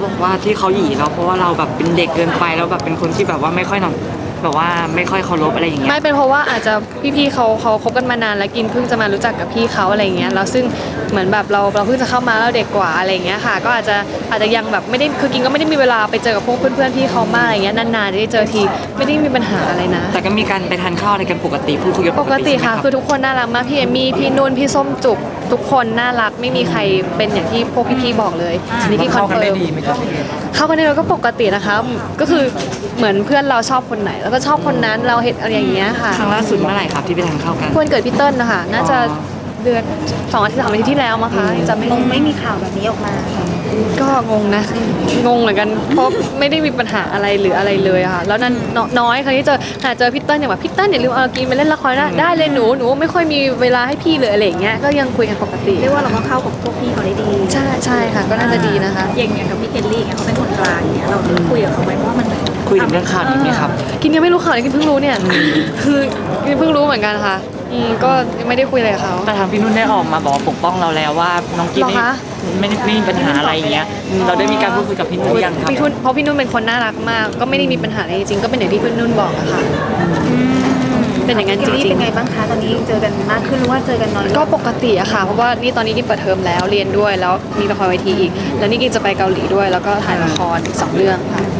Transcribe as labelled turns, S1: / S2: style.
S1: บอกว่าที่เขาหยีเราเพราะว่าเราแบบเป็นเด็กเกินไปแล้วแบบเป็นคนที่แบบว่าไม่ค่อยนอนแบบว่าไม่ค่อยเคารพอะไรอย่างเงี้ย
S2: ไม่เป็นเพราะว่าอาจจะพี่ๆเขาคบกันมานานแล้วกินเพิ่งจะมารู้จักกับพี่เขาอะไรเงี้ยแล้วซึ่งเหมือนแบบเราเพิ่งจะเข้ามาแล้วเด็กกว่าอะไรเงี้ยค่ะก็อาจจะยังแบบไม่ได้คือกินก็ไม่ได้มีเวลาไปเจอกับพวกเพื่อนๆพี่เขามากอะไรเงี้ยนานๆจะได้เจอทีไม่ได้มีปัญหาอะไรนะ
S1: แต่ก็มีการไปทานข้าวอะไรกันปกติพูดคุยกัน
S2: ปกติค่ะคือทุกคนน่ารักมากพี่เอมี่พี่นุ่นพี่ส้มจุกทุกคนน่ารักไม่มีใครเป็นอย่างที่พวกพี่ๆบอกเลยนี่พี่คอนเฟิร์มเข้ากันได้เราก็ปกตินะคะก็คือเหมือนเพื่อนเราชอบคนไหนแล้วก็ชอบคนนั้นเราเห็นอะไรอย่างเงี้ยค่ะ
S1: ครั้งล่าสุดเมื่อไหร่ครับที่ไปทานข้าวกัน
S2: วันเกิดพี่เติ้ลนะคะน่าจะเดือน2 อาทิตย์3 อาทิตย์ที่แล้วมั้งคะจะ
S3: ไม่มีข่าวแบบนี้ออกมา
S2: ก็งงนะงงเหมือนกันเพราะไม่ได้มีปัญหาอะไรหรืออะไรเลยค่ะแล้วนั้นน้อยครั้งที่เจอพี่เติ้ลอย่างแบบพี่เติ้ลอย่าลืมเอากินไปเล่นละครนะได้เลยหนูไม่ค่อยมีเวลาให้พี่เลยอะไรอย่างเงี้ยก็ยังคุยกันปกติ
S3: เรียกว่าเราก็เข้ากับพวกพี่เขาได้ดี
S2: ใช่ค่ะก็น่าจะดีนะคะ
S3: อย่างกับพี่เคลลี่เขาเป็นคนกลางเนี่ยเราคุยกับเขาไหมว่ามัน
S1: คุยถึงเรื่องข่าวนี้ไหมครับ
S2: กินยังไม่รู้ข่าวเลยกินเพิ่งรู้เนี่ยคือกินเพิ่งรู้เหมือนกันค่ะก็ไม่ได้คุยอะไรกับเขา
S1: แต่ทางพี่นุ่นได้ออกมาบอกปกป้องเราแล้วว่าน้องกินไม่มีปัญหาอะไรอย่างเงี้ยเราได้มีการพูดคุยกับพี่นุ่นยังครับ
S2: เพราะพี่นุ่นเป็นคนน่ารักมากก็ไม่ได้มีปัญหาอะไรจริงๆก็เป็นอย่างที่พี่นุ่นบอกอะค่ะเป็นอย่างนั้นจริงๆ
S3: เป็นไงบ้างคะตอนนี้เจอกันมากขึ้นหรือว่าเจอกันน้อย
S2: ก็ปกติอะค่ะเพราะว่านี่ตอนนี้กินเปิดเทอมแล้วเรียนด้วยแล้วมีละครเวทีอีกแล้วนี่กินจะไปเกาหลีด้วยแล้วก็ถ่ายละครอีก2 เรื่องค่ะ